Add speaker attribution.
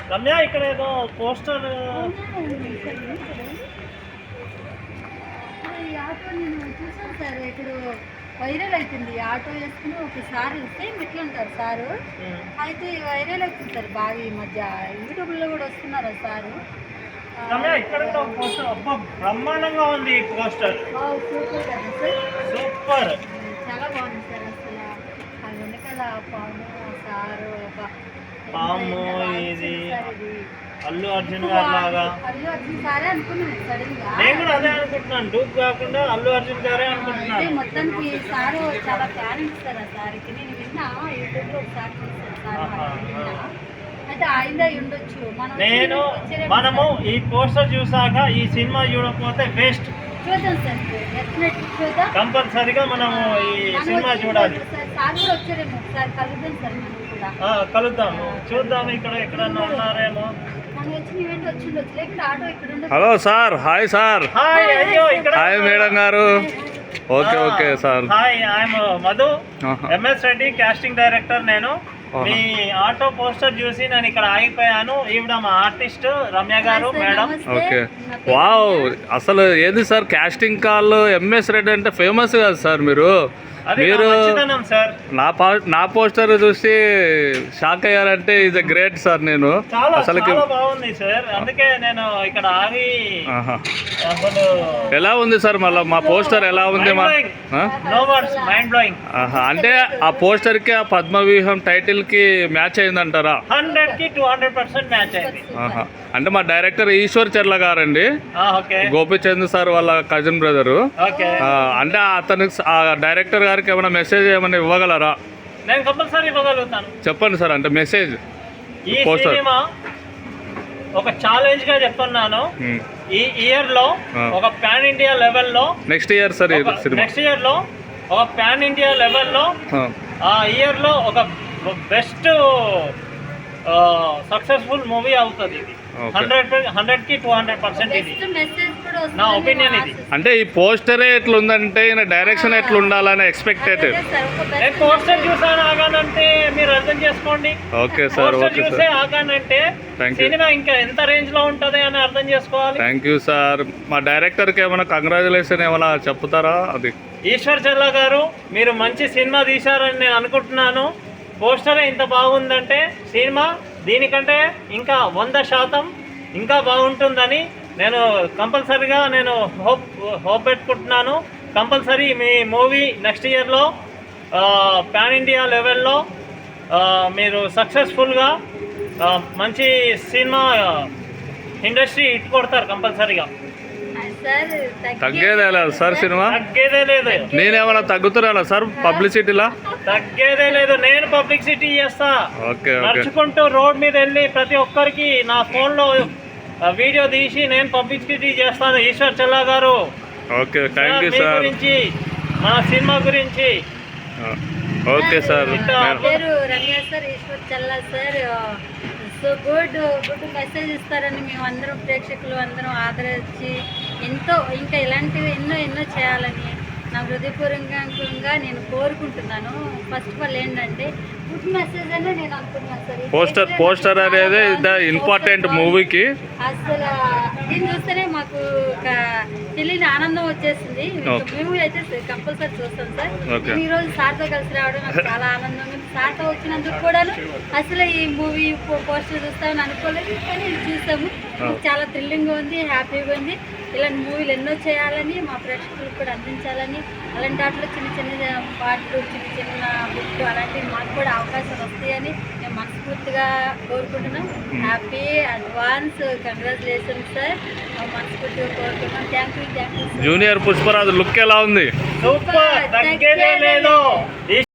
Speaker 1: రమ్య ఇక్కడ ఏదో పోస్టర్
Speaker 2: ఈ ఆటో నేను చూసాను సార్, ఇప్పుడు వైరల్ అవుతుంది. ఈ ఆటో వేసుకుని ఒకసారి సేమ్ ఎట్లా ఉంటారు సారు, అయితే వైరల్ అవుతుంది సార్ బాగా ఈ మధ్య. యూట్యూబ్లో కూడా వస్తున్నారు సారు.
Speaker 1: రమ్య ఇక్కడ కూడా పోస్టర్ అబ్బా బ్రహ్మాండంగా ఉంది ఈ పోస్టర్.
Speaker 2: సూపర్ కదా సార్,
Speaker 1: సూపర్,
Speaker 2: చాలా బాగుంది సార్. అసలు ఆ వెనకాల పాము సారు
Speaker 1: పాము ఇది అల్లు అర్జున్ గారు లాగా.
Speaker 2: అల్లు అర్జున్ సారే అనుకున్నాను సడన్ గా.
Speaker 1: నేను కూడా అదే అనుకుంటున్నాను, డూప్ కాకుండా అల్లు అర్జున్ గారే అనుకుంటున్నాను.
Speaker 2: మొత్తానికి సారు చాలా టాలెంట్ సార్. ఆ సార్కి నేను విన్నా యూట్యూబ్లో ఒకసారి చూసాను సార్. అయితే ఆయన ఉండొచ్చు.
Speaker 1: మనము ఈ పోస్టర్ చూసాక ఈ సినిమా చూడకపోతే వేస్ట్.
Speaker 2: చూద్దాం సార్, డెఫినెట్లీ చూద్దాం.
Speaker 1: కంపల్సరిగా మనము ఈ సినిమా చూడాలి.
Speaker 2: సార్ కూడా వచ్చారేమో, ఒకసారి కలుద్దాం సార్. మనం కూడా
Speaker 1: కలుద్దాము, చూద్దాం ఇక్కడ ఎక్కడన్నా ఉన్నారేమో.
Speaker 2: మనం వచ్చిన ఈవెంట్ వచ్చిండొచ్చు, లేకుంటే ఆటో ఇక్కడ ఉండొచ్చు.
Speaker 3: Hello sir. Hi sir.
Speaker 1: Hi. అయ్యో ఇక్కడ
Speaker 3: హాయ్ మేడం గారు. Okay okay sir.
Speaker 1: Hi, I am Madhu, MS Reddy, casting director. నేను మీ ఆటో పోస్టర్ చూసి నేను ఇక్కడ ఆగిపోయాను. ఈవిడ మా ఆర్టిస్ట్ రమ్య గారు మేడం.
Speaker 3: Okay, wow. అసలు ఏంది sir casting call MS Reddy అంటే ఫేమస్ కదా సార్. మీరు
Speaker 1: సార్
Speaker 3: నా పోస్టర్ చూసి షాక్ అయ్యారంటే ఈజ్ గ్రేట్ సార్. నేను
Speaker 1: అసలు బాగుంది సార్, అందుకే నేను ఇక్కడ ఆగి.
Speaker 3: ఎలా ఉంది సార్ మళ్ళీ మా పోస్టర్ ఎలా ఉంది? అంటే ఆ పోస్టర్ కి ఆ పద్మవ్యూహం టైటిల్ కి మ్యాచ్ అయిందంటారా?
Speaker 1: 100కి 200% మ్యాచ్ అయింది.
Speaker 3: అంటే మా డైరెక్టర్ ఈశ్వర్ చెర్ల గారండి, గోపిచంద్ సార్ వాళ్ళ కజిన్ బ్రదరు. అంటే అతనికి ఆ డైరెక్టర్ గారికి ఏమైనా మెసేజ్ ఏమైనా ఇవ్వగలరా?
Speaker 1: నేను కంపల్సరీ ఇవ్వగలుగుతాను.
Speaker 3: చెప్పండి సార్. అంటే మెసేజ్
Speaker 1: ఈ సినిమా ఒక ఛాలెంజ్ గా చెప్తున్నాను. ఈ ఇయర్ లో ఒక పాన్ ఇండియా లెవెల్లో, నెక్స్ట్ ఇయర్ లో ఒక పాన్ ఇండియా లెవెల్లో, ఆ ఇయర్ లో ఒక బెస్ట్ సక్సెస్ఫుల్ మూవీ అవుతుంది. ఇది 100కి 200% ఇది నా ఒపీనియన్. ఇది
Speaker 3: అంటే ఈ పోస్టరే ఎట్లుందంటే ఈయన డైరెక్షన్ ఎట్లుండాలని ఎక్స్పెక్టెడ్.
Speaker 1: నేను పోస్టర్ చూసాను ఆగానంటే మీరు అర్థం చేసుకోండి.
Speaker 3: Okay sir. ఓకే
Speaker 1: చూసే ఆగానంటే సినిమా ఇంకా ఎంత రేంజ్ లో ఉంటది అని అర్థం చేసుకోవాలి.
Speaker 3: Thank you sir. మా డైరెక్టర్ కి ఏమైనా కంగ్రాచులేషన్ ఏమైనా చెప్తారా? అది
Speaker 1: ఈశ్వర్ చెల్లా గారు, మీరు మంచి సినిమా తీశారని నేను అనుకుంటున్నాను. పోస్టరే ఇంత బాగుందంటే సినిమా దీనికంటే ఇంకా 100% ఇంకా బాగుంటుందని నేను కంపల్సరీగా హోప్ పెట్టుకుంటున్నాను. కంపల్సరీ మీ మూవీ నెక్స్ట్ ఇయర్లో పాన్ ఇండియా లెవెల్లో మీరు సక్సెస్ఫుల్గా మంచి సినిమా ఇండస్ట్రీ ఇటు కొడతారు కంపల్సరీగా.
Speaker 3: తగ్గేదే లేదు సార్, సినిమా
Speaker 1: తగ్గేదే లేదు.
Speaker 3: నేనేమన్నా తగ్గుతున్నా సార్ పబ్లిసిటీలా?
Speaker 1: తగ్గేదే లేదు, నేను పబ్లిసిటీ చేస్తా.
Speaker 3: ఓకే,
Speaker 1: నడుచుకుంటూ రోడ్ మీద వెళ్ళి ప్రతి ఒక్కరికి నా ఫోన్లో వీడియో తీసి నేను పబ్లిసిటీ చేస్తాను. ఈశ్వర్ చెల్లా గారు,
Speaker 3: ఓకే, థ్యాంక్ యూ సార్.
Speaker 1: గురించి మన సినిమా గురించి.
Speaker 3: Okay sir.
Speaker 2: పేరు Ramya sir, Eshwar Chella sir. So good message ఇస్తారని మేము అందరం ప్రేక్షకులు అందరం ఆదరించి ఇంకా ఇలాంటివి ఎన్నో చేయాలని నా హృదయపూర్వకంగా నేను కోరుకుంటున్నాను. ఫస్ట్ ఆఫ్ ఆల్ ఏంటంటే గుడ్ మెసేజ్ అనే నేను అనుకుంటున్నాను సార్.
Speaker 3: పోస్టర్ అనేది ఇంపార్టెంట్ మూవీకి.
Speaker 2: అసలు దీన్ని చూస్తేనే మాకు ఒక తెలియని ఆనందం వచ్చేసింది. మూవీ అయితే కంపల్సరీ చూస్తాం సార్. నేను ఈరోజు సార్తో కలిసి రావడం నాకు చాలా ఆనందం ఉంది. సార్తో వచ్చినందుకు కూడా అసలు ఈ మూవీ పోస్టర్ చూస్తామని అనుకోలేదు, కానీ చూసాము. చాలా థ్రిల్లింగ్గా ఉంది, హ్యాపీగా ఉంది. ఇలాంటి మూవీలు ఎన్నో చేయాలని, మా ప్రేక్షకులకు కూడా అందించాలని, అలాంటి వాటిలో చిన్న పాటలు, చిన్న బుక్లు అలాంటివి మాకు కూడా అవకాశాలు వస్తాయని మేము మనస్ఫూర్తిగా కోరుకుంటున్నాం. హ్యాపీ అడ్వాన్స్ కంగ్రాచులేషన్స్ సార్, మనస్ఫూర్తిగా కోరుకుంటున్నాం. Thank you.
Speaker 3: Junior Pushparaj look ఎలా ఉంది?
Speaker 1: సూపర్, తగ్గేదే లేదు.